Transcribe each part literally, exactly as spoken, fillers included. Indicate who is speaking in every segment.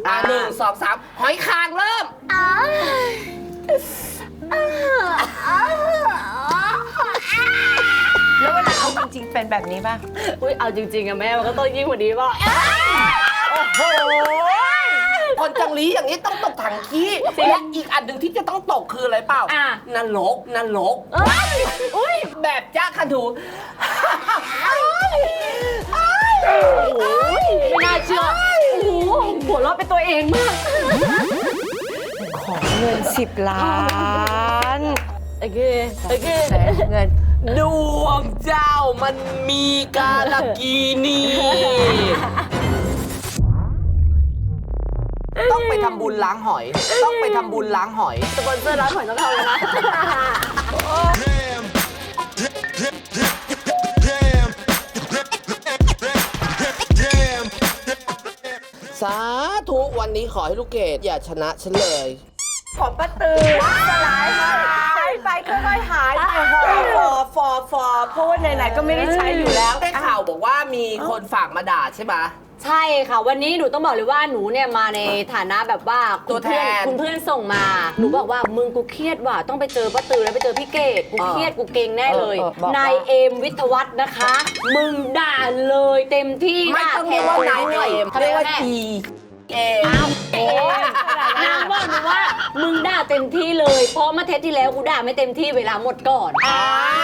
Speaker 1: อ่าหนึ่งสองสามหอยคางเริ่ม
Speaker 2: แล้วเวลาเอาจริงๆเป็นแบบนี้ป่ะ
Speaker 3: อุ้ยเอาจริงๆอะแม่มันก็ต้องยิ่งกว่านี้ป่ะ
Speaker 1: โอ้โหคนจังหลีอย่างนี้ต้องตกถังขี้และอีกอันหนึ่งที่จะต้องตกคืออะไรเปล่า
Speaker 3: อ่ะ
Speaker 1: นรกนรก
Speaker 3: เอ้ย
Speaker 1: อุ้ยแบบจ้าคันถู
Speaker 3: ไม่น่าเชื่อโอ้โหหัวเราะเป็นตัวเองมาก
Speaker 2: ของเงินสิบล้าน
Speaker 3: โอเคโอเค
Speaker 2: แต่เงิน
Speaker 1: ดวงเจ้ามันมีกาลกีนีต้องไปทำบุญล้างหอย ต้องไปทำบุญล้างหอย
Speaker 3: สปอนเซอร์ร้านหอยต้องเข้าแล้วนะ
Speaker 1: สาธุวันนี้ขอให้ลูกเกดอย่าชนะฉันเลย
Speaker 2: ของป้าตือสลายหายไปค่อยๆหายไปฟอฟอฟอเพราะว่าไหนๆก็ไม่ได้ใช้อยู่แล้ว
Speaker 1: ได้ข่าวบอกว่ามีคนฝากมาด่าใช่ไหม
Speaker 3: ใช่ค่ะวันนี้หนูต้องบอกเลยว่าหนูเนี่ยมาในฐานะแบบว่า
Speaker 1: ตัวแทน
Speaker 3: คุณเพื่อนส่งมาหนูบอกว่ามึงกูเครียดว่ะต้องไปเจอป้าตือแล้วไปเจอพี่เกดกูเครียดกูเก่งแน่เลย
Speaker 2: เออเออบอก
Speaker 3: นายเอมวิทยวัฒน์นะคะ มึงด่าเลยเต็มที่
Speaker 1: ไม่ต้องเรียกว่านายเอม
Speaker 3: เขา
Speaker 1: เรี
Speaker 3: เรี
Speaker 1: ย
Speaker 3: ย
Speaker 1: ก
Speaker 3: ก
Speaker 1: ว่า
Speaker 3: ว่า
Speaker 1: อีเอม
Speaker 3: อ้าวเอมนางบอกหนูว่ามึงด่าเต็มที่เลยเพราะเมื่อเทปที่แล้วกูด่าไม่เต็มที่เวลาหมดก่อน
Speaker 1: อ้าว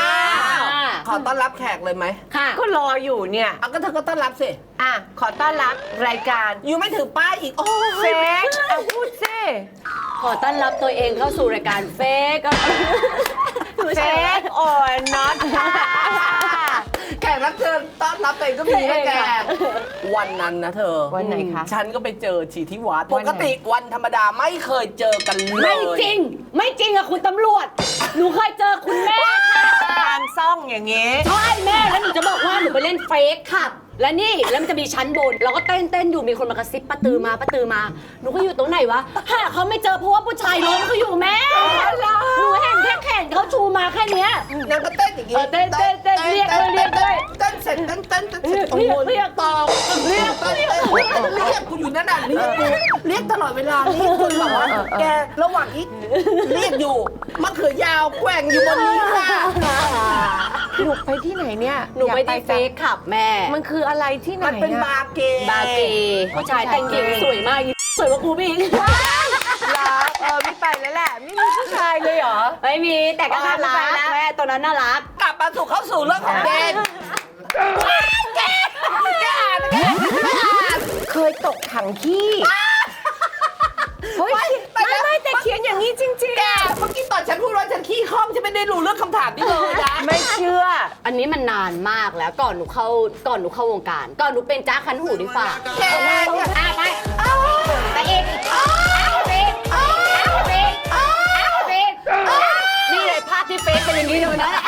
Speaker 3: อ่า
Speaker 1: ขอต้อนรับแขกเลยไหม
Speaker 3: ค่ะ
Speaker 2: ก็รออยู่เนี่ย
Speaker 1: เอาก็เธอก็ต้อนรับสิ
Speaker 2: อ่ะ ขอต้อนรับรายการ
Speaker 1: อยู่ไม่ถือป้ายอีก โอ้
Speaker 2: เฟ
Speaker 1: ย
Speaker 2: กเอาพูดซิ
Speaker 3: ขอต้อนรับตัวเองเข้าสู่รายการเฟก
Speaker 2: เฟกออนน็อตค่ะ
Speaker 1: แขกรับเชิญต้อนรับตัวเองก็มีนะแกวันนั้นนะเธอ
Speaker 2: วันไหนคะ
Speaker 1: ฉันก็ไปเจอชีที่วัด
Speaker 2: วั
Speaker 1: ป
Speaker 2: นไหน
Speaker 1: กติวันธรรมดาไม่เคยเจอกันเลย
Speaker 3: ไม่จริง ไม่จริงอะคุณตำรวจ หนูเคยเจอคุณแม่ค่ะ
Speaker 2: ทางซ่องอย่างเงี้ย
Speaker 3: ใช่แม่แล้วหนูจะบอกว่าหนูไปเล่นเฟกค่ะ และนี่แล้วมันจะมีชั้นบน เราก็เต้นเต้นอยู่มีคนมากระซิบป้าตือมาป้าตือมา หนูก็อยู่ตรงไหนวะหาเขาไม่เจอเพราะว่าผู้ชายล้มเขาอยู่แม่หนูเห็นแค่แขนเขาชูมาแค่เนี้ย
Speaker 1: นางก็เต้นอย่างงี้
Speaker 3: เออเต้นเต้นเต้นเรียกเลยเรียกเลย
Speaker 1: เต้นเสร็จเต้นเต้นเต้นเสร็จ
Speaker 3: เรียก
Speaker 1: โอ้โห
Speaker 3: เรียก
Speaker 1: ตอบเรียกเรียกเรียกกูอยู่นั่นน่ะเรียกกูเรียกตลอดเวลาเรียกจนแบบว่าแกระหว่างนี้เรียกอยู่มะเขือยาวแกว่งอยู่บนนี้ค่ะ
Speaker 2: หนูไปที่ไหนเนี่ย
Speaker 3: หนูไป
Speaker 2: อยาก
Speaker 3: ที่เฟกขับแม่
Speaker 2: มันคืออะไรที่ไหน
Speaker 1: มันเป็น
Speaker 2: อะ
Speaker 1: บาร์เกย์
Speaker 3: บาร์เกย์ผู้ชายแต่งหญิงสวยมากสวยกว่ากูพี่
Speaker 2: รักเออไม่ไปแล้วแหละ ไม่มีผู้ชายเลยเหรอ
Speaker 3: ไม่มีแต่ก็น่ารักแม่ตัวนั้นน่ารัก
Speaker 1: กลับมาสู่เข้าสู่เรื่องของเกมแกแกอ่านแกอ่าน
Speaker 2: เคยตกถังขี้เฮ้ยไม่ไม่แต่เขียนอย่างนี้จริง
Speaker 1: แกเมื่อกี้ตอนฉันพูดว่าฉันขี้ข้องฉันไม่ได้รู้เรื่องคำถามนี้เลยนะ
Speaker 2: ๆ ไม่เชื่อ
Speaker 3: อันนี้มันนานมากแล้วก่อนหนูเข้าก่อนหนูเข้าวงการ ก่อนหนูเป็นจ้าคันหูดีฝ่า
Speaker 1: แก
Speaker 3: อ่ะไปไปอีกอ้าวไปอีกอ้าวไปอีกอ้าวไปอีกนี่เลยภาพที่เฟซเป็นอย่างนี้เลยนะ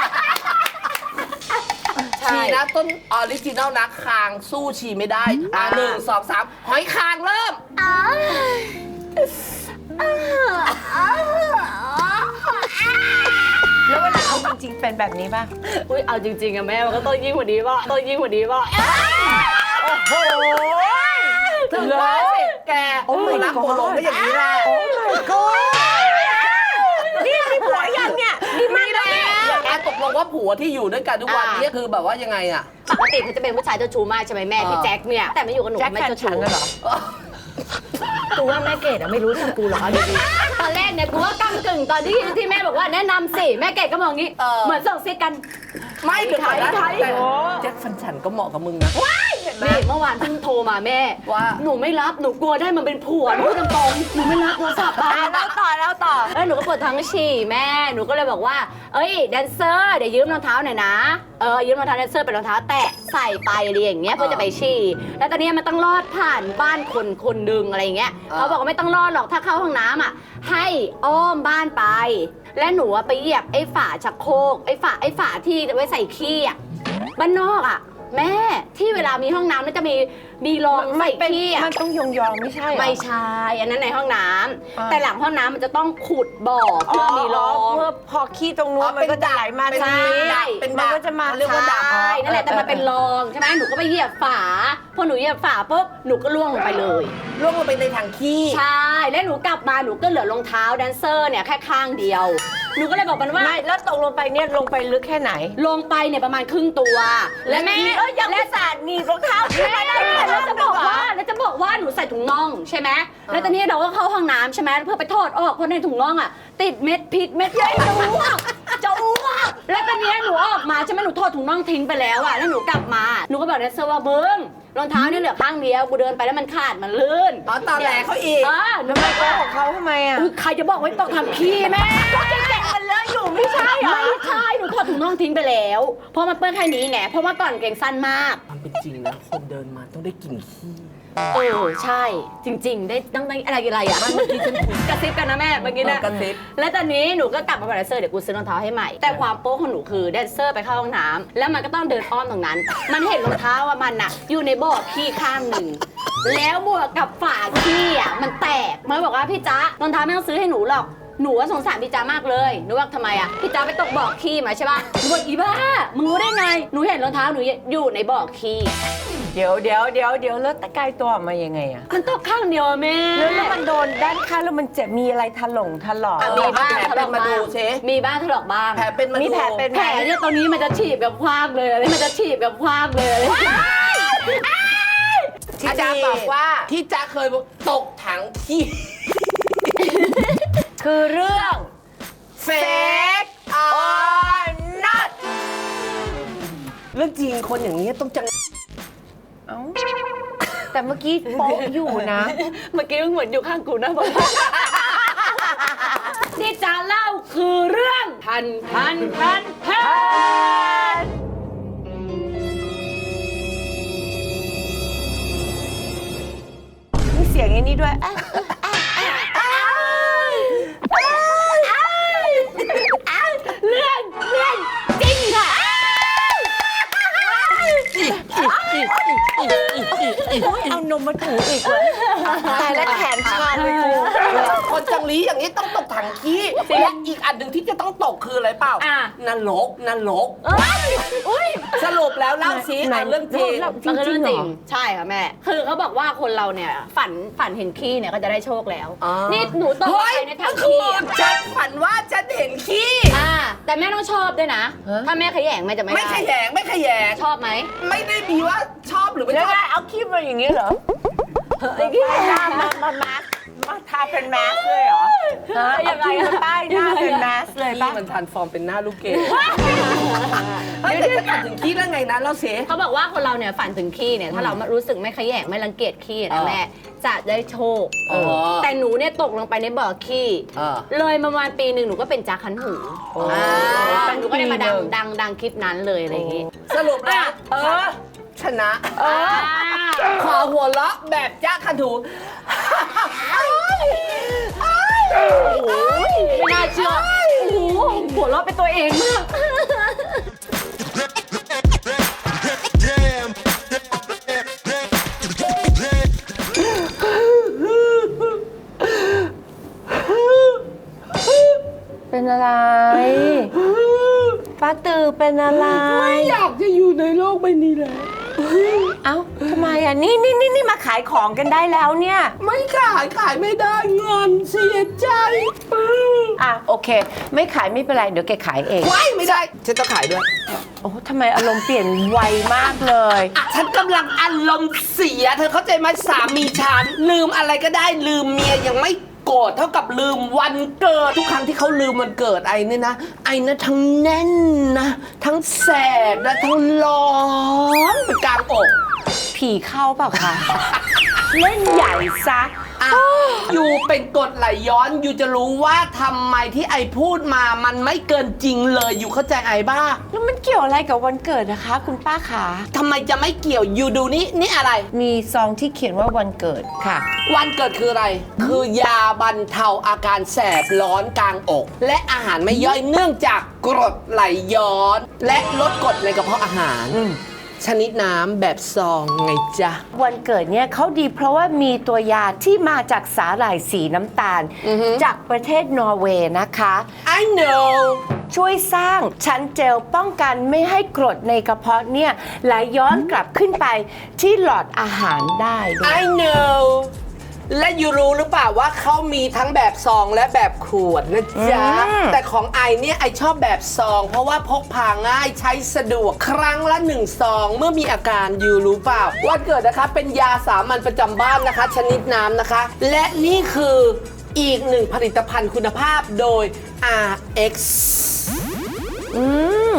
Speaker 3: ใช่
Speaker 1: ชีนะต้นออริจินัลนะคางสู้ชีไม่ได้อ่าหนึ่งสองสามหอยคางเริ่ม
Speaker 2: แล้วเวลาเอาจริงๆเป็นแบบนี้ป่ะ
Speaker 3: อุ้ยเอาจริงๆอะแม่มันก็ต้องยิ่งกว่านี้ป่ะต้องยิ่งกว่านี้ป่ะ
Speaker 2: โอ้โห
Speaker 1: ถึงว่าสิแกโอ้ยรักโปโลก็อย่างนี้แหละ
Speaker 2: โอ้ my god นี่มีผัวยังเนี่ยนี่มีแล้วเนี่ย
Speaker 1: แกตกลงว่าผัวที่อยู่ด้วยกันทุกวันนี้คือแบบว่ายังไงอะ
Speaker 3: ปกติเขาจะเป็นผู้ชายเจ้าชู้มากใช่ไหมแม่พี่แจ็คเนี่ยแต่ไม่อยู่กับหนู
Speaker 2: แจ็ค
Speaker 3: ไม่
Speaker 2: แฟน
Speaker 3: เจ้า
Speaker 2: ฉั
Speaker 3: ชู้
Speaker 2: นน่ะเหรอ
Speaker 3: กูว่าแม่เกดอะไม่รู้ทำกูหรอกเอาดีๆตอนแรกเนี่ยกูว่าก้ำกึ่งตอนที่ที่แม่บอกว่าแนะนำสิแม่เกดก็มองงี้เหมือนส่งซิกกัน
Speaker 1: ไม่เดี๋ยวก่อนนะ
Speaker 3: ไทย
Speaker 1: แต่แจ็คฟันฉันก็เหมาะกับมึงนะ
Speaker 3: นี่เมื่อวานเพิ่งโทรมาแม่
Speaker 1: ว่า
Speaker 3: หนูไม่รับหนูกลัวได้มันเป็นผัวหนูพูดตรงๆหนูไม่รับโทรศัพท์อะ
Speaker 2: อ่ะแล้วต่อแล้วต่อ
Speaker 3: แล้วหนูก็ปวดท้องฉี่แม่หนูก็เลยบอกว่าเอ้ยแดนเซอร์เดี๋ยวยืมรองเท้าหน่อยนะเออยืมรองเท้าแดนเซอร์เป็นรองเท้าแตะใส่ไปอะไรอย่างเงี้ยเพื่อจะไปฉี่แล้วตอนนี้มันต้องลอดผ่านบ้านคนคนหนึ่งอะไรอย่างเงี้ยเขาบอกว่าไม่ต้องลอดหรอกถ้าเข้าห้องน้ำอ่ะให้อ้อมบ้านไป และหนูอะไปเหยียบไอ้ฝาชักโครกไอ้ฝาไอ้ฝาที่ไว้ใส่ขี้อ่ะบ้านนอกอ่ะแม่ที่เวลามีห้องน้ำมันจะมีมีรองใส่ขี้อะ
Speaker 2: มันต้องยองๆไม่ใช่เหรอ
Speaker 3: ไม่ใช่อันนั้นในห้องน้ำ
Speaker 2: อ่า
Speaker 3: แต่หลังห้องน้ำมันจะต้องขุดบ่อเพื่อมีรอง
Speaker 2: เพื่อพอขี้ตรงนู้นมันก็จะไหลมา
Speaker 1: เป็น
Speaker 2: ทางนี้
Speaker 1: ดักเป็น
Speaker 2: มั
Speaker 1: ดั
Speaker 2: น
Speaker 1: ก
Speaker 2: ก็จะมา
Speaker 1: เรียกว่าดัก
Speaker 3: ใช่นั่นแหละแต่มันเป็นรองใช่ไหมหนูก็ไปเหยียบฝาพอหนูเหยียบฝาปุ๊บหนูก็ล่วงลงไปเลย
Speaker 1: ล่วงลงไปในถังขี้
Speaker 3: ใช่แล้วหนูกลับมาหนูก็เหลือรองเท้าแดนเซอร์เนี่ยแค่ข้างเดียวหนูก็เลยบอกมันว่า
Speaker 2: ไม่แล้วตกลงไปเนี่ยลงไปลึกแค่ไหน
Speaker 3: ลงไปเนี่ยประมาณครึ่งตัว และแม่
Speaker 2: เอ้ยยังไม่สาดหนีบรองเท้าขึ้นมาได้
Speaker 3: แม่แล้วจะบอกว่าแล้วจะบอกว่าหนูใส่ถุงน่องใช่ไหมแล้วตอนนี้เราก็เข้าห้องน้ำใช่ไหมเพื่อไปถอดออกเพราะในถุงน่องอ่ะติดเม็ดพิษเม็ดใหญ่จะอ้วกจะอ้วกแล้วตอนนี้หนูออกมาใช่ไหมหนูถอดถุงน่องทิ้งไปแล้วอ่ะแล้วหนูกลับมาหนูก็บอกแดนเซอร์ว่าเบิ้งรองเท้าเนี่ยเหลือข้างเดียวกูเดินไปแล้วมันขาดมันลื่น
Speaker 1: อ๋อตอนแหลเขาอีก
Speaker 3: อ่าหนู
Speaker 2: ทำไม
Speaker 3: ไม่
Speaker 2: โกหกเขาทำไมอ่ะ
Speaker 3: อุ๊ยใครจะบอกว่าต้องทำขี้แม่
Speaker 2: แกะมันเลอะอยู่ไม่ใช่เหรอ
Speaker 3: ไม่ใช่หนูถอดถุงน่องทิ้งไปแล้วเพราะมันเปื้อนแค่นี้ไงเพราะว่าก่อนเกงสั้นมาก
Speaker 1: ความเป็นจริงนะคนเดินมาต้องได้กลิ่นขี้
Speaker 3: เออใช่จริง ๆ ได้ต้องได้อะไรอะไรอ่ะ
Speaker 1: เมื่อกี้ฉันคุย
Speaker 3: กระซิบกันนะแม่เมื่อกี้นะ
Speaker 1: เออกระซิบ
Speaker 3: แล้วตอนนี้หนูก็กลับมาบอกแดนเซอร์เดี๋ยวกูซื้อรองเท้าให้ใหม่แต่ความโป๊ะของหนูคือแดนเซอร์ไปเข้าห้องน้ำแล้วมันก็ต้องเดินอ้อมตรงนั้น มันเห็นรองเท้าว่ามันน่ะอยู่ในบ่อขี้ข้างหนึ่งแล้วบวกกับฝาขี้อ่ะมันแตกมันบอกว่าพี่จ๊ะรองเท้าไม่ต้องซื้อให้หนูหรอกหนูว่าสงสารพี่จ๊ะมากเลยหนูว่าทำไมอ่ะพี่จ๊ะไปตกบ่อขี้มาใช่ป่ะหนูบอกอีบ้ามึงรู้ได้ไงหนูเห็นรองเท้าหนูอยู่ในบ่อขี้
Speaker 2: เดี๋ยวเดี๋ยวเดี๋ยวเดี๋ยวแล้วตะกายตัวออกมายังไงอ่ะ
Speaker 3: มันตกข้างเดียวอะแม่
Speaker 2: แล้วแล้วมันโดนด้านข้างแล้วมันเจ็บมีอะไรถลงถลอก
Speaker 1: อ่ะ
Speaker 3: มีบ้าง
Speaker 1: แผลเป็นมาดูเช
Speaker 3: มีบ้างถลอกบ้าง
Speaker 1: แผลเป็นมาดู
Speaker 2: มีแผลเป็น
Speaker 3: แผลเนี่ยตอนนี้มันจะฉีบแบบคว้างเลยมันจะฉีบแบบคว้างเลย
Speaker 1: ที่จ๊าบอกว่าที่จ๊าเคยบอกตกถังขี้
Speaker 2: คือเรื่อง
Speaker 1: เฟกออ not เรื่องจริงคนอย่างนี้ต้องจัง
Speaker 2: เอ้าแต่เมื่อกี้โป๊ะอยู่นะ
Speaker 3: เมื่อกี้มันเหมือนอยู่ข้างกูนะบอกที่จะเล่าคือเรื่องทันทันทันทัน
Speaker 2: มีเสียงอย่างนี้ด้วยอ่ะ
Speaker 3: เรื่องเรื่องจริงค่ะ
Speaker 2: เอานมมาถูอีกเลยตายแล้วแขนชาเลยกู
Speaker 1: คนจังลีอย่างนี้ต้องตกถังขี้และอีกอันหนึ่งที่จะต้องตกคืออะไรเปล่า
Speaker 3: อ่ะ
Speaker 1: นรกนรก
Speaker 3: เอ้ยอุ้ย
Speaker 1: สรุปแล้วเล่าซิ
Speaker 2: ไหน
Speaker 1: เอาเรื่องจริง
Speaker 2: เล่า
Speaker 3: มันคือเรื่องจริง
Speaker 2: เหรอ
Speaker 3: ใช่ค่ะแม่ คือเขาบอกว่าคนเราเนี่ยฝันฝันเห็นขี้เนี่ยก็จะได้โชคแล้ว
Speaker 1: อ๋อ
Speaker 3: นี่หนูตกลง
Speaker 1: เฮ้ย
Speaker 3: ไปในถั
Speaker 1: เมื่
Speaker 3: ง
Speaker 1: อคื
Speaker 3: ขี้
Speaker 1: น
Speaker 3: อะ
Speaker 1: ฉันฝันว่าฉันเห็นขี้
Speaker 3: อ่าแต่แม่ต้องชอบด้วยนะ ถ้าแม่ขยงแม่จะไม่
Speaker 1: ไม่
Speaker 3: ได้
Speaker 1: ขยงไม่ขยง
Speaker 3: ชอบไหม
Speaker 1: ไม่ได้มีว่าชอบหรือไม่
Speaker 2: แล้ว
Speaker 1: ชอบ
Speaker 2: ไงเอาคลิปมาอย่างนี้เหรอเอาป้ายหน้ามามามามาทาเป็นแมสเลยเหรอฮะเอาคลิปมาป้ายหน้าเป็นแมสเลย
Speaker 1: ขี้
Speaker 2: ป่ะ
Speaker 1: มันทานฟอร์มเป็นหน้าลูกเกดเฮ้ยแต่จะฝันถึงขี้ได้ไงนะเล่าซิ
Speaker 3: เขาบอกว่าคนเราเนี่ยฝันถึงขี้เนี่ยถ้าเรารู้สึกไม่ขยงไม่รังเกียจขี้
Speaker 1: เอ
Speaker 3: นะ
Speaker 1: อ
Speaker 3: แม่จะได้โชค
Speaker 1: อ๋อ
Speaker 3: แต่หนูเนี่ยตกลงไปในบ่อขี้
Speaker 1: เออ
Speaker 3: เลยประมาณปีหนึ่งหนูก็เป็นจักขันหู
Speaker 1: โอ้
Speaker 3: อ่าหนูก็ได้มาดัง
Speaker 2: ปีหนึ่ง
Speaker 3: ดังดังคลิปนั้นเลยอะไรอย่างงี้
Speaker 1: สรุปนะเออ ชนะ
Speaker 3: เออ
Speaker 1: ขอหัวเราะแบบจ้าคันถู
Speaker 3: ไม่น่าเชื่อโอ้โหหัวเราะเป็นตัวเองมาก
Speaker 2: เป็นอะไร ป้าตือเป็นอะไร
Speaker 1: ไม่อยากจะอยู่ในโลกใบนี้แล้ว
Speaker 2: เอ้าทำไมอ่ะ นี่นี่นี่นี่มาขายของกันได้แล้วเนี่ย
Speaker 1: ไม่ขายขายไม่ได้เงินเสียใจ
Speaker 2: อ่ะโอเค ไม่ขายไม่เป็นไร เดี๋ยวแกขายเอง
Speaker 1: ว้ายไม่ได้ ฉันต้องขายด้วย
Speaker 2: โอ้ทำไมอารมณ์เปลี่ยนไวมากเลย
Speaker 1: ฉันกำลังอารมณ์เสีย เธอเข้าใจไหมสามีฉันลืมอะไรก็ได้ลืมเมียยังไม่โกรธเท่ากับลืมวันเกิด ทุกครั้งที่เขาลืมวันเกิดไอ้นี่นะ ไอ้นะทั้งแน่นนะ ทั้งแสบและทั้งร้อนเป็นกลางอก
Speaker 2: ผีเข้าเปล่าคะ เล่นใหญ่ซะ
Speaker 1: อ่ะอยู่เป็นกฎไหลย้อนอยู่จะรู้ว่าทำไมที่ไอพูดมามันไม่เกินจริงเลยอยู่เข้าใจไอบ้า
Speaker 2: แล้วมันเกี่ยวอะไรกับวันเกิดนะคะ คุณป้าขา
Speaker 1: ทำไมจะไม่เกี่ยวอยู่ดูนี่นี่อะไร
Speaker 2: มีซองที่เขียนว่าวันเกิดค่ะ
Speaker 1: วันเกิดคืออะไร คือยาบรรเทาอาการแสบร้อนกลางอก และอาหารไม่ย่อยเนื่องจากกรดไหลย้อน และลดกรดในกระเพาะอาหาร
Speaker 2: อืม
Speaker 1: ชนิดน้ำแบบซองไงจ๊ะ
Speaker 2: วันเกิดเนี่ยเขาดีเพราะว่ามีตัวยาที่มาจากสาหร่ายสีน้ำตาล
Speaker 1: อือฮึ
Speaker 2: จากประเทศนอร์เวย์นะคะ
Speaker 1: I know
Speaker 2: ช่วยสร้างชั้นเจลป้องกันไม่ให้กรดในกระเพาะเนี่ยไหลย้อนกลับขึ้นไปที่หลอดอาหารได้ด้วย
Speaker 1: I know และยูรู้หรือเปล่าว่าเขามีทั้งแบบซองและแบบขวดนะจ๊ะ
Speaker 2: อืม
Speaker 1: แต่ของไอเนี่ยไอชอบแบบซอง เพราะว่าพกพาง่ายใช้สะดวกครั้งละหนึ่งซอง เมื่อมีอาการยูรู้เปล่าวันเกิดนะคะเป็นยาสามัญประจำบ้านนะคะ ชนิดน้ำนะคะ และนี่คืออีกหนึ่งผลิตภัณฑ์คุณภาพโดย อาร์ เอ็กซ์
Speaker 2: อืม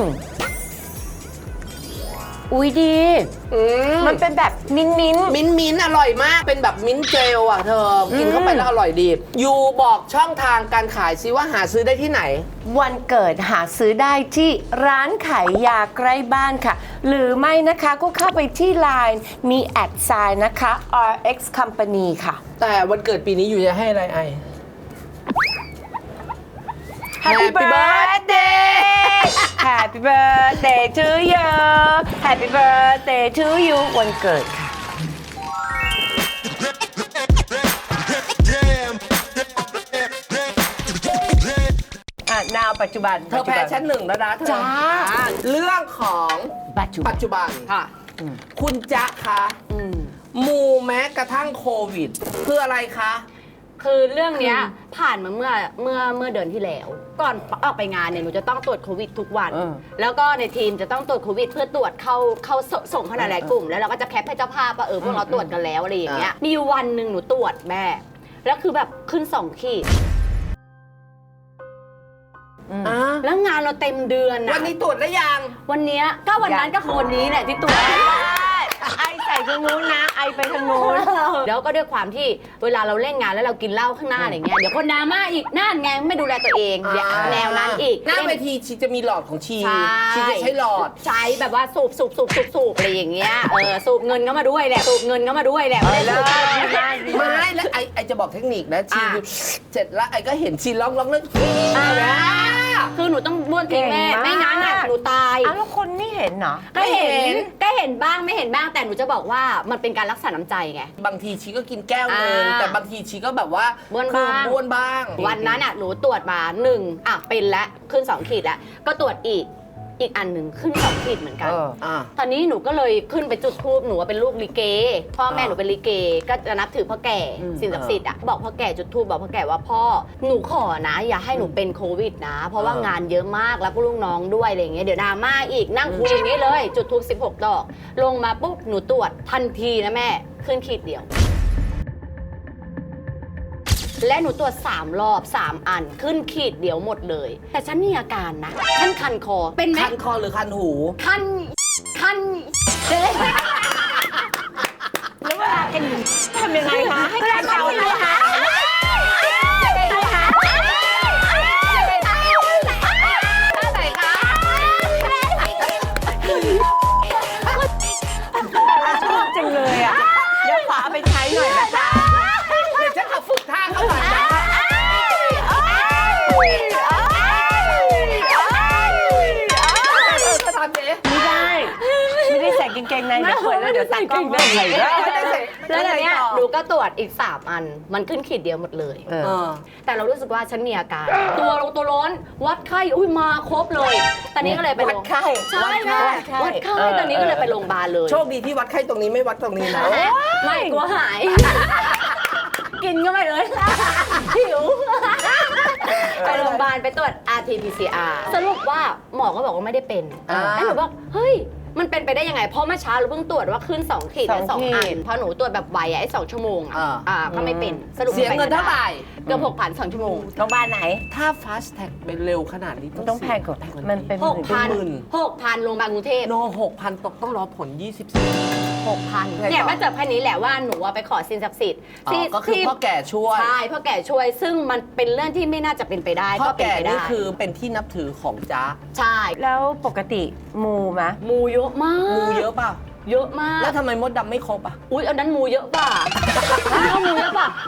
Speaker 2: อุ้ยดี
Speaker 1: อืม
Speaker 2: มันเป็นแบบมิ้นมิ้น
Speaker 1: มิ้นท์มิ้นท์อร่อยมาก เป็นแบบมิ้นท์เจลอ่ะเธอ กินเข้าไปแล้วอร่อยดียูบอกช่องทางการขายซิว่าหาซื้อได้ที่ไหน
Speaker 2: วันเกิดหาซื้อได้ที่ร้านขายยาใกล้บ้านค่ะ หรือไม่นะคะก็เข้าไปที่ ไลน์ มีแอดไซน์นะคะ อาร์ เอ็กซ์ Company ค่ะ
Speaker 1: แต่วันเกิดปีนี้ยูจะให้อะไรไอ
Speaker 2: Happy birthday Happy birthday to you Happy birthday to you วันเกิดค่ะอ่ะนาวปัจจุบัน
Speaker 1: เธอแพ้ชั้นหนึ่งแล้วนะเธอ
Speaker 2: จ้า
Speaker 1: เรื่องของ
Speaker 2: ปัจจุบั
Speaker 1: ปั
Speaker 2: น
Speaker 1: จจุบัน
Speaker 3: ค่ะ
Speaker 1: คุณจ๊ะคะ
Speaker 3: อืม
Speaker 1: มูแม้กระทั่งโควิดคืออะไรคะ
Speaker 3: คือเรื่องเนี้ยผ่านมาเมื่อเมื่อเมื่อเดือนที่แล้ว ก่อนออกไปงานเนี่ยหนูจะต้องตรวจโควิดทุกวัน
Speaker 2: เออ
Speaker 3: แล้วก็ในทีมจะต้องตรวจโควิดเพื่อตรวจเข้าเข้าสส่งเข้าในหลายกลุ่ม แล้วเราก็จะแคปให้เจ้าภาพว่าเออพวกเราตรวจกันแล้วอะไรอย่างเงี้ยมีอยู่วันหนึ่งหนูตรวจแม่ แล้วคือแบบขึ้นสองขีด
Speaker 1: อ่า
Speaker 3: แล้วงานเราเต็มเดือนนะ
Speaker 1: วันนี้ตรวจได้ยัง
Speaker 3: วันเนี้ยก็วันนั้นก็คือวันนี้แหละที่ตรวจ
Speaker 2: ไอใส่ทางนู้นนะ ไอไปทางนู้น
Speaker 3: แล้วก็ด้วยความที่เวลาเราเล่นงานแล้วเรากินเหล้าข้างหน้าอะไรเงี้ยเดี๋ยวคนดราม่าอีกนั่นไงไม่ดูแลตัวเองเดี๋ยวแนวนั้นอีก
Speaker 1: หน้าเวทีชีจะมีหลอดของชี
Speaker 3: ใช่
Speaker 1: ชีจะใช้หลอด
Speaker 3: ใช้แบบว่าสูบสูบสูบสูบสูบอะไรอย่างเงี้ยเออสูบเงินเข้ามาด้วยแหละสูบเงินเข้ามาด้วยแหละไม่ได้สูบ
Speaker 2: เออ
Speaker 3: เงิน
Speaker 1: ไม่แล้วไอไอจะบอกเทคนิคนะชี
Speaker 3: อ่ะ
Speaker 1: เสร็จแล้วไอก็เห็นชีร้องร้องเรื่อง
Speaker 3: อ่าคือหนูต้องบ้วนทิ้งแม่
Speaker 2: เก่งมาก
Speaker 3: ไม่งั้นอ่ะหนูตาย
Speaker 2: อ้าวแล้วคนไม่เห็นเหรอ
Speaker 3: ก็เห็
Speaker 1: ไม่เห็
Speaker 3: น
Speaker 1: น
Speaker 3: ก็เห็นบ้างไม่เห็นบ้างแต่หนูจะบอกว่ามันเป็นการรักษาน้ำใจไง
Speaker 1: บางทีชีก็กินแก้วนึง
Speaker 3: อ่า
Speaker 1: แต่บางทีชีก็แบบว่า
Speaker 3: บ้วน
Speaker 1: คือ
Speaker 3: บ้าง
Speaker 1: บ้วนบ้าง
Speaker 3: วันนั้นอ่ะหนูตรวจมาหนึ่งอ่ะเป็นแล้วขึ้นสองขีดแล้วก็ตรวจอีกอีกอันหนึ่งขึ้นสองขีดเหมือนกัน
Speaker 2: เออ
Speaker 1: อ่า
Speaker 3: ตอนนี้หนูก็เลยขึ้นไปจุดธูปหนูว่าเป็นลูกลิเกพ่อแม่
Speaker 1: อ่า
Speaker 3: หนูเป็นลิเก ก็จะนับถือพ่อแก่
Speaker 2: อืม
Speaker 3: สิ่งศักดิ์สิทธิ์อ่ะบอกพ่อแก่จุดธูปบอกพ่อแก่ว่าพ่อหนูขอนะ อย่าให้หนูเป็นโควิดนะ เพราะว่างานเยอะมากแล้วก็ลูกน้องด้วยอะไรอย่างเงี้ยเดี๋ยวดราม่าอีกนั่งคุยอย่างนี้เลย จุดธูปสิบหกดอก ลงมาปุ๊บหนูตรวจทันทีนะแม่ขึ้นขีดเดียว และหนูตรวจสามรอบสามอันขึ้นขีดเดียวหมดเลย แต่ฉันมีอาการนะฉันคันคอเป็นไหม
Speaker 1: คันคอหรือคันหู
Speaker 3: คันคันเจ๊
Speaker 2: แล้วเวลาเป็นทำยังไงคะ ให้การเกาไหมคะชอบจังเลยอ่ะ เดี๋ยวขอเอาไปใช้หน่อยนะคะ
Speaker 1: เดี๋ยวฉันเอาฝึกท่าเข้าไปนะ จะทำเจ๊
Speaker 2: ไม่ได้ ไม่ได้ใส่กางเกงในเดี๋ยวเปิดแล้วเดี๋ยวตัดกล้องไม่ได้ใส่
Speaker 1: ไม่ได้ใส่
Speaker 3: แล้วตอนเนี้ย
Speaker 1: ต่อ
Speaker 3: หนูก็ตรวจอีก สาม อัน มันขึ้นขีดเดียวหมดเลย
Speaker 2: เออ
Speaker 1: เออ
Speaker 3: แต่เรารู้สึกว่าฉันมีอาการ ตัวลงตัวร้อน วัดไข้ อุ้ยมาครบเลย ตอนนี้ก็เลยไป
Speaker 2: วั
Speaker 3: โร
Speaker 2: ด
Speaker 3: ง
Speaker 2: ไข้
Speaker 3: ใช่แม่
Speaker 2: วัดไข้
Speaker 3: วัดไข้
Speaker 2: เออ
Speaker 3: ตอนนี้ก็เลยไปโรงพยาบาลเลย
Speaker 1: โชคดีที่วัดไข้ตรงนี้ไม่วัดตรงนี้นะ
Speaker 3: ไม่กลัวหาย กินก็ไม่เลย หิว ไปโรงพยาบาลไปตรวจ อาร์ ที พี ซี อาร์ สรุปว่าหมอก็บอกว่าไม่ได้เป็น
Speaker 1: อ่า
Speaker 3: แล้วหนูบอกเฮ้ย มันเป็นไปได้ยังไง เพราะเมื่อเช้าเราเพิ่งตรวจว่าขึ้นสองขีดและ
Speaker 2: ส
Speaker 3: ส
Speaker 2: อ
Speaker 3: อง ง
Speaker 2: ขีด
Speaker 3: อันเพราะหนูตรวจแบบไวอะไอ้สองชั่วโมงอะ
Speaker 1: อ่า
Speaker 3: อ่าก็ไม่เป็น สรุป
Speaker 1: เสียเงินเท่าไหร่
Speaker 3: เกือบหกพันสองชั่วโมง
Speaker 2: โรงพยาบาลไหน
Speaker 1: ถ้า fast tag ไปเร็วขนาดนี้
Speaker 2: ต้องแพงกว่ามันเป็น
Speaker 3: หกพัน
Speaker 1: หมื่น
Speaker 3: หกพันโรงพยาบาลกรุงเทพ
Speaker 1: โนหกพันตกต้องรอผลยี่สิบสี่
Speaker 3: หกพัน
Speaker 1: ไงต่อ
Speaker 3: เนี่ยมาเจอแค่นี้แหละว่าหนูอะไปขอสินศักดิ์สิทธิ์
Speaker 1: อ๋อ
Speaker 3: ที่
Speaker 1: ก็คือ
Speaker 3: ที่
Speaker 1: พ่อแก่ช่วย
Speaker 3: ใช่พ่อแก่ช่วย ซึ่งมันเป็นเรื่องที่ไม่น่าจะเป็นไปได้
Speaker 1: พ่อ
Speaker 3: ก็เป็น
Speaker 1: แก่
Speaker 3: ไปได้
Speaker 1: นี่คือเป็นที่นับถือของจ๊ะ
Speaker 3: ใช่
Speaker 2: แล้วปกติมูไหม
Speaker 3: มูเยอะมาก
Speaker 1: มูเยอะเปล่า
Speaker 3: เยอะมาก
Speaker 1: แล้วทำไมมดดำไม่ครบอ่ะ
Speaker 3: อุ๊ยอันนั้นมูเยอะป่ะ อันนั้นก็มูเยอะป่ะแม่ไม่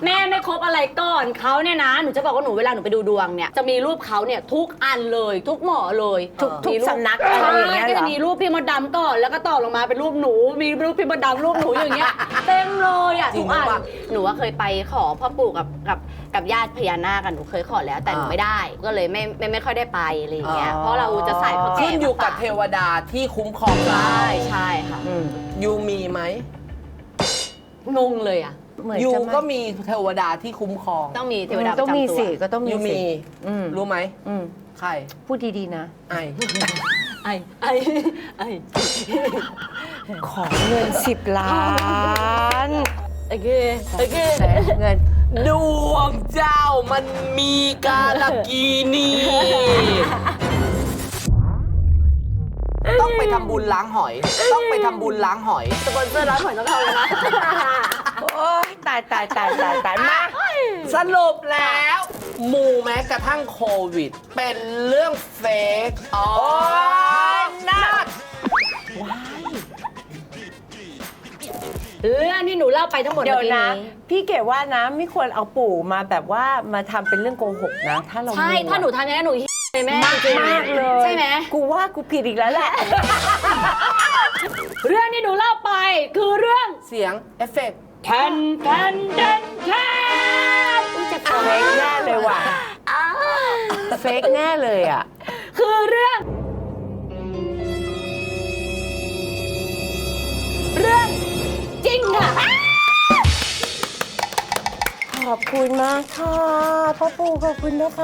Speaker 3: คบอะไรก่อนเขาเนี่ยนะหนูจะบอกว่าหนูเวลาหนูไปดูดวงเนี่ยจะมีรูปเขาเนี่ยทุกอันเลยทุกหมอเลย
Speaker 2: ทุกทุก
Speaker 3: มีรูป
Speaker 2: สำนักอะไรอย่างเงี้ย
Speaker 3: ใช่ก็
Speaker 2: เหร
Speaker 3: จะ
Speaker 2: อ
Speaker 3: มีรูปพี่มดดำก่อนแล้วก็ต่อลงมาเป็นรูปหนูมีรูปพี่มดดำรูปหนูอย่างเงี้ยเต็มเลยอ่ะ
Speaker 1: จริ
Speaker 3: ทุ
Speaker 1: ง
Speaker 3: กอัน
Speaker 1: ปะ
Speaker 3: หนูว่าเคยไปขอพ่อปู่กับกับกับญาติพญานาคกันหนูเคยขอแล้วแต่หนู
Speaker 1: อ่า
Speaker 3: ไม่ได้ก็เลยไม่ไม่ไม่ค่อยได้ไปอะไรอย่างเงี้ย
Speaker 1: อ๋อ
Speaker 3: เพราะเราจะใส่พ่อแก่
Speaker 1: ขึ้นอยู่กับเทวดาที่คุ้มครองเรา
Speaker 3: ใช่ใช่ค่ะ
Speaker 2: อืม
Speaker 1: ยูมีไหม
Speaker 3: งงเลยอ่ะ
Speaker 2: เหมือน
Speaker 1: ยู
Speaker 2: จะไม่
Speaker 1: ก็มีเทวดาที่คุ้มครอง
Speaker 3: ต้องมีเทวดาประ
Speaker 2: ต้องมี
Speaker 3: จำตัว
Speaker 2: สิก็ต้องมี
Speaker 1: ยู
Speaker 2: สิ
Speaker 1: มี
Speaker 2: อืม
Speaker 1: รู้ไหม
Speaker 2: อืม
Speaker 1: ใคร
Speaker 2: พูดดีๆนะ
Speaker 1: ไอ
Speaker 3: ไอ้ไอ้ไอ้
Speaker 2: ขอเงินสิบล้าน
Speaker 3: โอเคโอเค
Speaker 2: แต่เงิน
Speaker 1: ดวงเจ้ามันมีกาลกีนีต้องไปทำบุญล้างหอย ต้องไปทำบุญล้างหอย
Speaker 3: สปอนเซอร์ร้านหอยต้องเข้าเลยนะ
Speaker 2: โอ้ยตายตายตายตายตายมา
Speaker 1: สรุปแล้วหมู่แม้กระทั่งโควิด เป็นเรื่องเฟกอ๋อนัด
Speaker 3: เรื่องที่หนูเล่าไปทั้งหมด
Speaker 2: เดี๋ยว
Speaker 3: เมื่อกี้
Speaker 2: นะ
Speaker 3: นี้
Speaker 2: พี่เก๋ว่านะไม่ควรเอาปู่มาแบบว่ามาทำเป็นเรื่องโกหกนะ ถ้าเรา
Speaker 3: ใช่
Speaker 2: รู้อะ
Speaker 3: ถ้าหนูทำอย่างนั้นหนูเลยแม่
Speaker 2: มาก
Speaker 3: จริงๆ
Speaker 2: มากเลย
Speaker 3: ใช่ไหม
Speaker 2: กูว่ากูผิดอีกแล้วแหละ
Speaker 3: เรื่องที่หนูเล่าไปคือเรื่อง
Speaker 1: เสียงเอฟเฟกต์
Speaker 3: แทนแทนแทนแทนอุ๊ยเจ็บคอ
Speaker 2: เฟกแน่เลยว่ะ
Speaker 3: อ่า
Speaker 2: เฟกแน่เลยอ่ะ
Speaker 3: คือเรื่อง เรื่องจริงค่ะ
Speaker 2: ขอบคุณมากค่ะพ่อปู่ขอบคุณนะคะ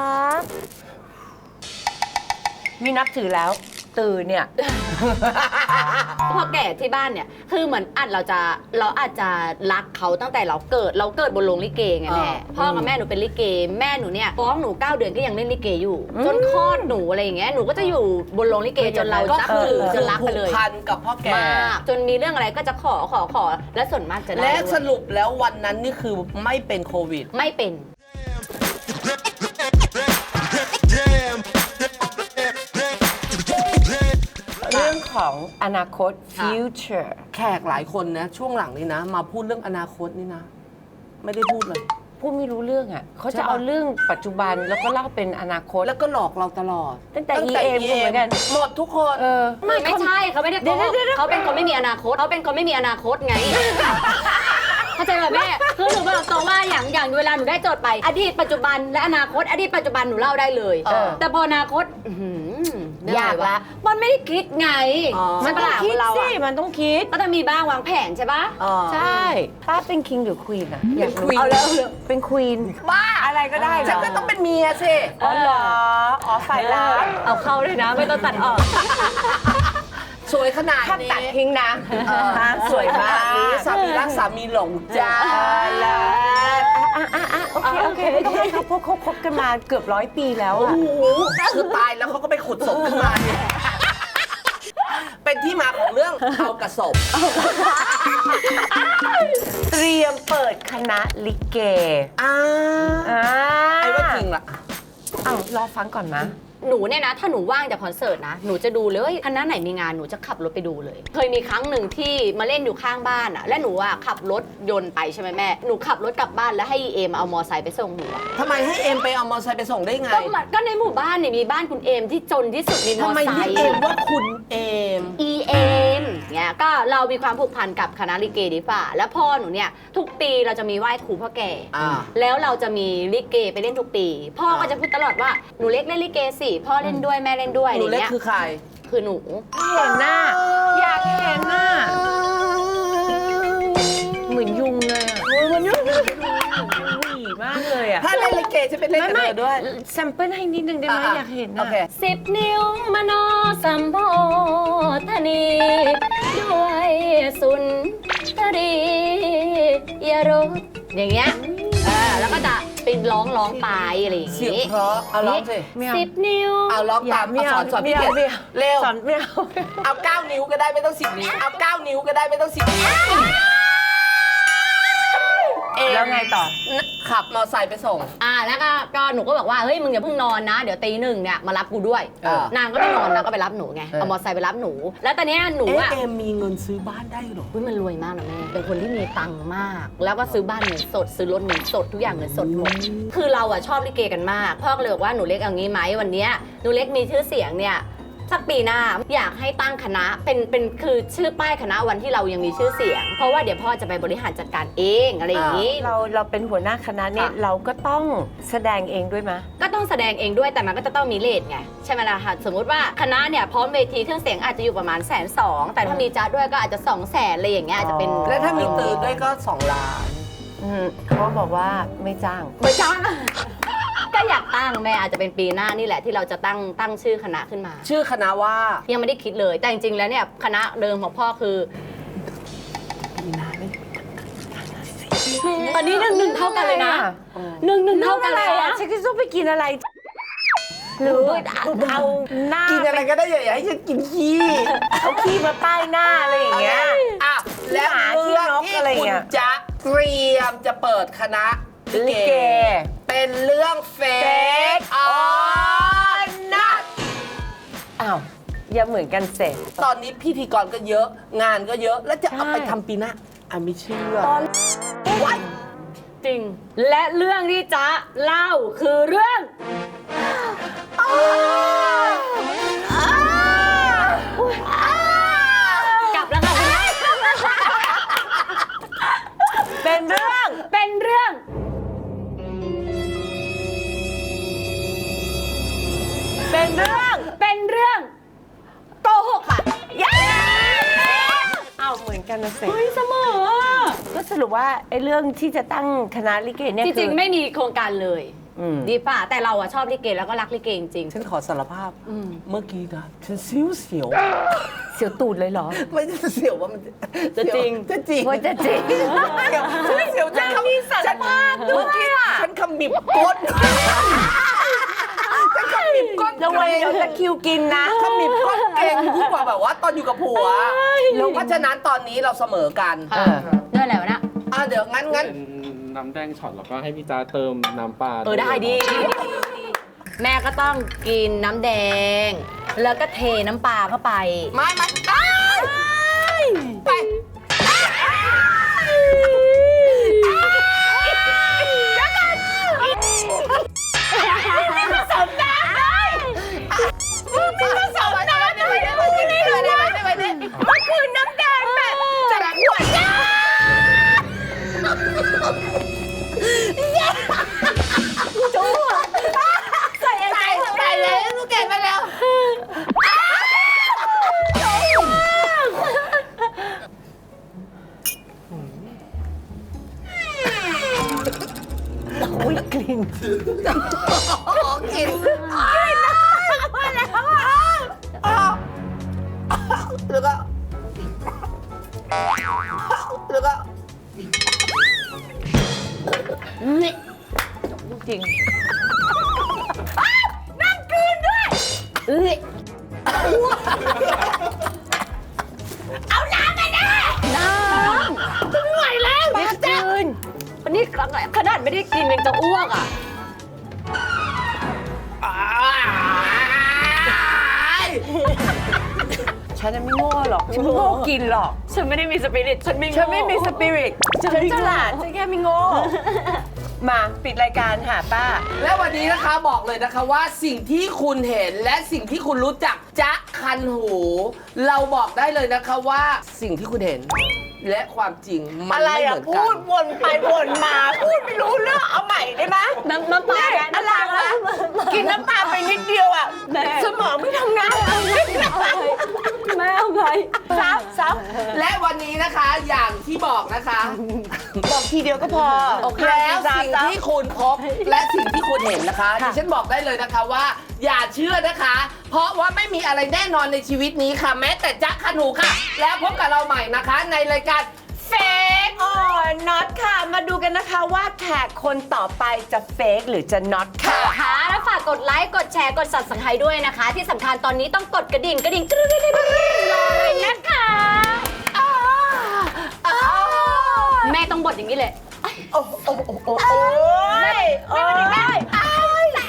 Speaker 2: มีนับถือแล้ว ตื่นเนี่ย
Speaker 3: พอแก่ที่บ้านเนี่ยคือเหมือนอัดเราจะเราอาจจะรักเขาตั้งแต่เราเกิดเราเกิดบนโรงลิเกไงแม่พ่อกับแม่หนูเป็นลิเกแม่หนูเนี่ยฟ้องหนูเก้าเดือนก็ยังเล่นลิเกอยู่ จนคลอดหนูอะไรอย่างเงี้ยหนูก็จะอยู่บนโรงลิเกจนเรา
Speaker 1: ก็
Speaker 3: นับ
Speaker 1: คือ
Speaker 3: ถือจ
Speaker 1: คื
Speaker 3: น
Speaker 1: อ
Speaker 3: รัก
Speaker 1: ผู
Speaker 3: ไป
Speaker 1: ก
Speaker 3: เลย
Speaker 1: พันกับพ่อแก่
Speaker 3: มากจนมีเรื่องอะไรก็จะขอขอขอและส่วนมากจะได้
Speaker 1: และ
Speaker 3: ด้วย
Speaker 1: สรุปแล้ววันนั้นนี่คือไม่เป็นโควิด
Speaker 3: ไม่เป็น
Speaker 2: เรื่องของอนาคต
Speaker 3: ค่ะ
Speaker 2: future
Speaker 1: แขกหลายคนนะช่วงหลังนี้นะ มาพูดเรื่องอนาคตนี่นะ ไม่ได้พูดเลย
Speaker 2: พูดไม่รู้เรื่องอ่ะเขา
Speaker 1: ใช่
Speaker 2: จะ
Speaker 1: ปะ
Speaker 2: เอาเรื่องปัจจุบันแล้วก็เล่าเป็นอนาคต
Speaker 1: แล้วก็หลอกเราตลอด
Speaker 2: ตั้งแต่ อี เอ็ม เหมือนกัน
Speaker 1: หมดทุกคน
Speaker 2: เออ
Speaker 3: ไม่ไม่ใช่เขาไม่ได้โกหก
Speaker 2: เดี๋ยวๆๆๆ
Speaker 3: เขาเป็นคนไม่มีอนาคตเขาเป็นคนไม่มีอนาคตไง เข้าใจแบบแม่คือหนูบอกตรงว่าอย่างอย่างเวลาหนูได้โจทย์ไป อดีตปัจจุบันและอนาคต อดีตปัจจุบันหนูเล่าได้เลย
Speaker 2: เออ
Speaker 3: แต่พออนาคตอื้อหือย
Speaker 2: ากละ
Speaker 3: มันไม่ได้คิดไง
Speaker 1: อ๋อ
Speaker 2: มันต้องคิด
Speaker 3: เรา
Speaker 2: สิ
Speaker 3: อะ
Speaker 2: มันต้องคิด
Speaker 3: ก็จะมีบ้างวางแผนใช่ปะ
Speaker 1: อ๋อ
Speaker 2: ใช่ ป้าเป็นคิงหรือควีนอะอยากรู้
Speaker 1: queen
Speaker 2: เอาแล้วเป็นควีน
Speaker 1: บ้า
Speaker 2: อะไรก็ได้เหร
Speaker 1: ฉัน
Speaker 2: อ
Speaker 1: ก็ต้องเป็นเมียสิ
Speaker 2: อ๋อเหรออ๋อฝ่ายร้าย
Speaker 3: เอาเข้าเลยนะ ไม่ต้องตัดออก
Speaker 1: สวยขนาด
Speaker 2: ถ้า
Speaker 1: นี้
Speaker 2: ตัดทิ้งนะ
Speaker 1: เออ
Speaker 2: ฮะสวยมาก
Speaker 1: นี้สามีรักสามีหลงจ้า
Speaker 2: แล้วอ่ะอ่ะอ่ะโอเคโอเคไม่ต้องให้เขาพบคบคบกันมาเกือบร้อยปีแล้ว
Speaker 1: โอ้
Speaker 2: อะ
Speaker 1: โหคือตายแล้วเขาก็ไปขุดศพขึ้นมาเนี่ยเป็นที่มาของเรื่องเอากระสบ
Speaker 2: เตรียมเปิดคณะลิเก
Speaker 1: อ่า
Speaker 2: อ่า
Speaker 1: ไอ้ว่าจริงล่ะ
Speaker 2: เอ้ารอฟังก่อนนะ
Speaker 3: หนูเนี่ยนะ ถ้าหนูว่างจากคอนเสิร์ตนะ หนูจะดูเลยว่าคณะไหนมีงานหนูจะขับรถไปดูเลย เคยมีครั้งหนึ่งที่มาเล่นอยู่ข้างบ้านอะและหนูอะขับรถยนต์ไปใช่ไหมแม่ หนูขับรถกลับบ้านแล้วให้เอมเอามอไซค์ไปส่งหนูอะ
Speaker 1: ทำไมให้เอ็มไปเอามอเตอร์ไซค์ไปส่งได้ไง
Speaker 3: ก็มันก็ในหมู่บ้านเนี่ยมีบ้านคุณเอมที่จนที่สุดมีมอ
Speaker 1: ทำไม
Speaker 3: ไซ
Speaker 1: เรียก
Speaker 3: ค์
Speaker 1: เอ็มว่าคุณเอม
Speaker 3: อีเอมเนี่ยก็เรามีความผูกพันกับคณะลิเกดีฝ่าแล้วพ่อหนูเนี่ยทุกปีเราจะมีไหว้ครูพ่อแก่
Speaker 1: อ่า
Speaker 3: แล้วเราจะมีลิเกไปเล่นทุกปี พ่อก็
Speaker 1: อ่า
Speaker 3: จะพูดตลอดว่าหนูเล็กเล่นลิเกสิพ่อเล่นด้วยแม่เล่นด้วย
Speaker 1: ห
Speaker 3: อะไร
Speaker 1: นูเล็ก
Speaker 3: เงี้ย
Speaker 1: คือใคร
Speaker 3: คือหนู
Speaker 2: เห็นหน้า อยากเห็นหน้า เหมือนยุงเลยอะเหมือนยุงหวีมากเลยอะ
Speaker 1: ถ้าเล่นลิเกจะเป็นเล่นกับเธอด้วย
Speaker 2: แซมเปิลให้นิดนึงได้ไหม
Speaker 1: อ่ะ
Speaker 2: อยากเห็น
Speaker 1: โอ
Speaker 2: นะ
Speaker 1: เค
Speaker 3: สิบนิ้วมโนสัมโพธนีด้วยสุนทรียรสอย่างเงี้ยเออแล้วก็จะเป็นร้องร้องไปอะไรอย่าง
Speaker 1: เสียง
Speaker 3: งี้
Speaker 1: เพราะเอาร้องสิ
Speaker 2: ไม่เอา
Speaker 3: สิบนิ้ว
Speaker 1: เอาร้องตาม
Speaker 2: ไม่
Speaker 1: เอาส
Speaker 2: เอา
Speaker 1: อนสอน
Speaker 2: ไม่
Speaker 1: พี่
Speaker 2: เอา
Speaker 1: เกด
Speaker 2: ไม่เอา
Speaker 1: เร็ว
Speaker 2: สอนไม่เอา
Speaker 1: เอาเก้านิ้วก็ได้ไม่ต้องสิบนิ้ว เอาเก้านิ้วก็ได้ไม่ต้องสิบนิ้วเอง
Speaker 2: แล้วไงต่อ
Speaker 1: ขับมอเตอร์ไซค์ไปส่ง
Speaker 3: อ่าแล้วก็ก็หนูก็บอกว่าเฮ้ยมึงอย่าเพิ่งนอนนะ เดี๋ยวตีหนึ่งเนี่ยมารับกูด้วย
Speaker 1: เออ
Speaker 3: นางก็ไม่นอนนางก็ไปรับหนูไง
Speaker 1: เออ
Speaker 3: เอามอเตอร์ไซค์ไปรับหนู แล้วตอนเนี้ยหนู
Speaker 1: เอ๊ะ
Speaker 3: อะ
Speaker 1: เอมมีเงินซื้อบ้านได้เหรอ
Speaker 3: อุ๊ยมันรวยมากนะแม่เป็นคนที่มีตังค์มาก แล้วก็ซื้อบ้านเงินสดซื้อรถเงินสดทุกอย่างเงินสดหมดคือเราอะชอบลิเกกันมากพ่อก็เลยบอกว่าหนูเล็กเอางี้ไหมวันเนี้ยหนูเล็กมีชื่อเสียงเนี่ยสักปีหน้าอยากให้ตั้งคณะเป็นเป็นคือชื่อป้ายคณะวันที่เรายังมีชื่อเสียง เพราะว่าเดี๋ยวพ่อจะไปบริหารจัดการเองอะไรอย่างนี้
Speaker 2: เราเราเป็นหัวหน้าคณะเนี่ย
Speaker 3: ค่ะ
Speaker 2: เราก็ต้องแสดงเองด้วยไหม
Speaker 3: ก็ต้องแสดงเองด้วยแต่มันก็จะต้องมีเลทไงใช่ไหมล่ะคะสมมุติว่าคณะเนี่ยพร้อมเวทีเครื่องเสียงอาจจะอยู่ประมาณแสนสองแต่ถ้ามีจ้าด้วยก็อาจจะสองแสนอะไรอย่างเงี้ยอาจจะเป็น
Speaker 1: แล้วถ้ามีตื่นด้วยก็สองล้าน
Speaker 2: อืมเขาบอกว่าไม่จ้าง
Speaker 3: ไม่จ้างก็อยากตั้งแม่อาจจะเป็นปีหน้านี่แหละที่เราจะตั้งตั้งชื่อคณะขึ้นมา
Speaker 1: ชื่อคณะว่า
Speaker 3: ยังไม่ได้คิดเลยแต่จริงๆแล้วเนี่ยคณะเดิมของพ่อคือตอนนี้หนึ่งหนึ่งเท่ากันเลยนะหนึ่งหนึ่งเท่ากันเลย
Speaker 2: อะ
Speaker 3: นะ
Speaker 2: ฉันก็ต้องไปกินอะไร หรือเอาหน้า
Speaker 1: กินอะไรก็ได้อย่าให้ฉันกินขี้
Speaker 2: เอาขี้มาป้ายหน้าอะไรอย่างเงี้ย
Speaker 1: อ่ะแล้ว
Speaker 2: หมา
Speaker 1: เรื่อง
Speaker 2: ขี้นก
Speaker 1: ที่
Speaker 2: อะไร
Speaker 1: คุณ
Speaker 2: เงี้ย
Speaker 1: จะเตรียมจะเปิดคณะลิ
Speaker 2: ลิ
Speaker 1: เก
Speaker 2: เก
Speaker 1: เป็นเรื่องเฟกออนนัท
Speaker 2: อ้าวอย่าเหมือนกันเสร็จ
Speaker 1: ตอนนี้พิธีกรก็เยอะ งานก็เยอะ แล้วจะเอา
Speaker 2: ใช่
Speaker 1: ไปทำปีหน้าอ่ะไม่เชื่อ
Speaker 2: ตอน
Speaker 1: วัด
Speaker 3: จริง และเรื่องที่จ๊ะเล่าคือเรื่อง กลับแล้วค่ะคุณแม่
Speaker 2: เป็นเรื่อง
Speaker 3: เป็นเรื่อง
Speaker 2: เป็นเรื่อง
Speaker 3: เป็นเรื่องโกหกค่ะ
Speaker 2: เย้อ้าวเหมือนกันนะเสร็จ
Speaker 3: เฮ้ยเสมอ
Speaker 2: ก็สรุปว่าไอ้เรื่องที่จะตั้งคณะลิเกเนี่ย
Speaker 3: จ
Speaker 2: คื
Speaker 3: ริง
Speaker 2: อ
Speaker 3: ๆ ไม่มีโครงการเลย
Speaker 2: อืม
Speaker 3: ดีป่ะ แต่เราอะชอบลิเกแล้วก็รักลิเกจริง
Speaker 1: ฉันขอสารภาพ
Speaker 3: อืม
Speaker 1: เมื่อกี้นะฉันเสียวเสียว
Speaker 2: เสียวตูดเลยเหรอ
Speaker 1: ไม่ใช่เสียวว่ามัน
Speaker 3: จะจริง
Speaker 1: จะจริง
Speaker 2: ว่าจะจริง
Speaker 1: เสียวฉันเสียวฉันขมิบ
Speaker 2: สารภาพด้วยอะ
Speaker 1: ฉันขมิบก้นฉันขมิบก้น
Speaker 2: ระวังเดี๋ยวจะคิวกินนะ
Speaker 1: ขมิบก้นเก่งยิ่งกว่าแบบว่าตอนอยู่กับผัวแล้วเพราะฉะนั้นตอนนี้เราเสมอกัน
Speaker 3: ๆค่ะด้วยอะไรวะเนะ
Speaker 1: อ่ะเดี๋ยวงั้นงั้น
Speaker 4: เป็นน้ำแดงช็อตแล้วก็ให้พี่จ้าเติมน้ำปลา
Speaker 3: เออได้ดีดีดีดีแม่ก็ต้องกินน้ำแดง แล้วก็เทน้ำปลาเข้าไป
Speaker 1: ไม่ไม่ได้ไป
Speaker 3: สมน้ำได้
Speaker 1: มึงจะสอบอะไรไปได้ไปได้ไปได้ไปได้ไปได้
Speaker 2: มันคือน้ำแดงแบบจากขวดยา
Speaker 1: ใส่ใส่ใส่เลยลูกเก่งไปแล้ว
Speaker 2: อุ้ยกลิ่น
Speaker 1: กินแล้วก็แล้วก็
Speaker 2: จริง
Speaker 3: เอ้ย
Speaker 2: เอาน้ำไปนะ
Speaker 3: น้ำไม่ไหวแล้ว
Speaker 2: เด็กจืน
Speaker 3: วันนี้ขนาดไม่ได้กินยังจะอ้วกอ่ะ
Speaker 2: ฉันจะไม่โง่หรอก ฉันไม่โง่กินหรอก
Speaker 3: ฉันไม่ได้มีสปิริตฉันไม่โง่
Speaker 2: ฉันไม่มีสปิริต ฉันฉลาด ฉันแค่ไม่โง่ มาปิดรายการค่ะป้า
Speaker 1: และวันนี้นะคะบอกเลยนะคะว่าสิ่งที่คุณเห็นและสิ่งที่คุณรู้จักจ๊ะคันหู เราบอกได้เลยนะคะว่าสิ่งที่คุณเห็น และความจริงมัน
Speaker 2: อะไร
Speaker 1: ไม่เห
Speaker 2: อ่ะ
Speaker 1: มือน
Speaker 2: พู
Speaker 1: กั
Speaker 2: ด
Speaker 1: น
Speaker 2: วนไปวนมา พูดไม่รู้เรื่อง เอาใหม่ได้ไหม
Speaker 3: น้ำน้ำปลา
Speaker 2: เนี่ย
Speaker 3: แม่
Speaker 2: อะไรวะกินน้ำปลาไปนิดเดียวอ่ะ
Speaker 3: แม่
Speaker 2: สมองไม่ทำงาน
Speaker 3: แม่เอาไง
Speaker 2: ซับซับ
Speaker 1: และวันนี้นะคะอย่างที่บอกนะคะ
Speaker 2: บอกทีเดียวก็พอ
Speaker 1: แล้วสิ่งที่คุณพบและสิ่งที่คุณเห็นนะคะดิฉันบอกได้เลยนะคะว่า อย่าเชื่อนะคะ เพราะว่าไม่มีอะไรแน่นอนในชีวิตนี้ค่ะ แม้แต่จ๊ะคันหูค่ะ แล้วพบกับเราใหม่นะคะ ในรายการเฟก
Speaker 2: อ๋อน็อตค่ะ มาดูกันนะคะว่าแขกคนต่อไปจะเฟกหรือจะน็อตค่ะ
Speaker 3: ค่ะแล้วฝากกดไลค์กดแชร์กด Subscribe ด้วยนะคะ ที่สำคัญตอนนี้ต้องกดกระดิ่งกระดิ่งกรึ๊ดๆๆๆรอเลยนะคะแม่ต้องบดอย่างนี้เลย
Speaker 2: โอ้โอ้โอ้โอ้โอ้ยโอ้ย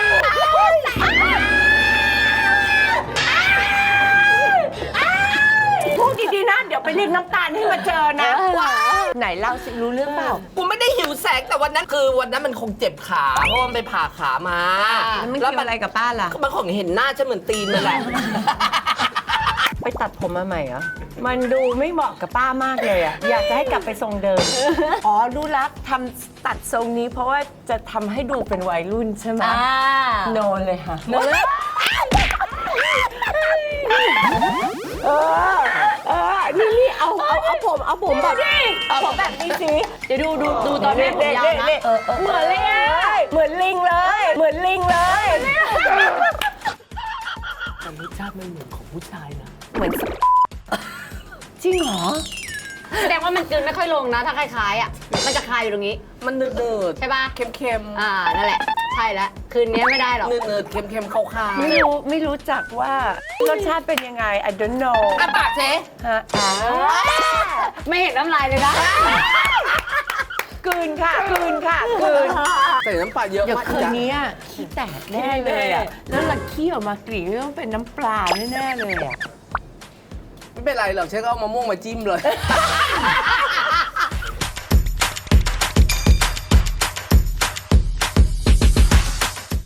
Speaker 2: พูดดีๆนะ เดี๋ยวไปเรียกน้ำตาลให้มาเจอนะไหนเล่าสิรู้เรื่องเปล่า
Speaker 1: กูไม่ได้หิวแสงแต่วันนั้นคือวันนั้นมันคงเจ็บขาเพราะมันไปผ่าขามา
Speaker 2: แล้วมันเกี่ยวอะไรกับป้าล่ะ
Speaker 1: มันคงเห็นหน้าฉันเหมือนตีนนั่นแหละ
Speaker 2: ไปตัดผมมาใหม่เหรอ มันดูไม่เหมาะกับป้ามากเลยอ่ะ อยากจะให้กลับไปทรงเดิม อ๋อ รู้ละทำตัดทรงนี้เพราะว่าจะทำให้ดูเป็นวัยรุ่นใช่ไหม
Speaker 3: อ่า
Speaker 2: โนเลยค่ะ
Speaker 3: โนเลย
Speaker 2: เออ เออ นี่นี่เอาเอาเอาผมเอาผมแบบเอาผมแบบนี้สิ
Speaker 3: เดี๋ยวดูดูดูตอนแม่ผมยาวนะ
Speaker 2: เออเออเหมือนลิงเลยเหมือนลิงเลย เหมือนลิงเลย
Speaker 1: แต่รสชาติมันเหมือนของผู้ชายนะ
Speaker 2: เหมือนจริงเหรอ
Speaker 3: แสดงว่ามันกลืนไม่ค่อยลงนะ ถ้าคล้ายๆอ่ะ มันจะคายอยู่ตรงนี้
Speaker 1: มันเนืด
Speaker 3: ใช่ป่ะ
Speaker 1: ๆเค็มๆ
Speaker 3: อ่า นั่นแหละ ใช่แล้ว คืนนี้ไม่ได้หรอก
Speaker 1: เนืดๆเค็มๆขาวๆ
Speaker 2: ไม่รู้ไม่รู้จักว่ารสชาติเป็นยังไง I don't know
Speaker 1: อ่ะปากเจ๊
Speaker 2: ฮะอ่า
Speaker 3: ไม่เห็นน้ำลายเลยนะ
Speaker 2: กลืนค่ะกลืนค่ะกลืน
Speaker 1: ใส่น้ำปลาเยอะ
Speaker 2: เดี๋ยว
Speaker 1: มาก
Speaker 2: คืนนี้อะขี้แตกแน่เลยอ่ะ แล้วหลังขี้ออกมากลิ่นต้องเป็นน้ำปลาแน่ๆเลยอ่ะ
Speaker 1: ไม่เป็นไรหรอกเชฟก็เอามะม่วงมาจิ้มเลย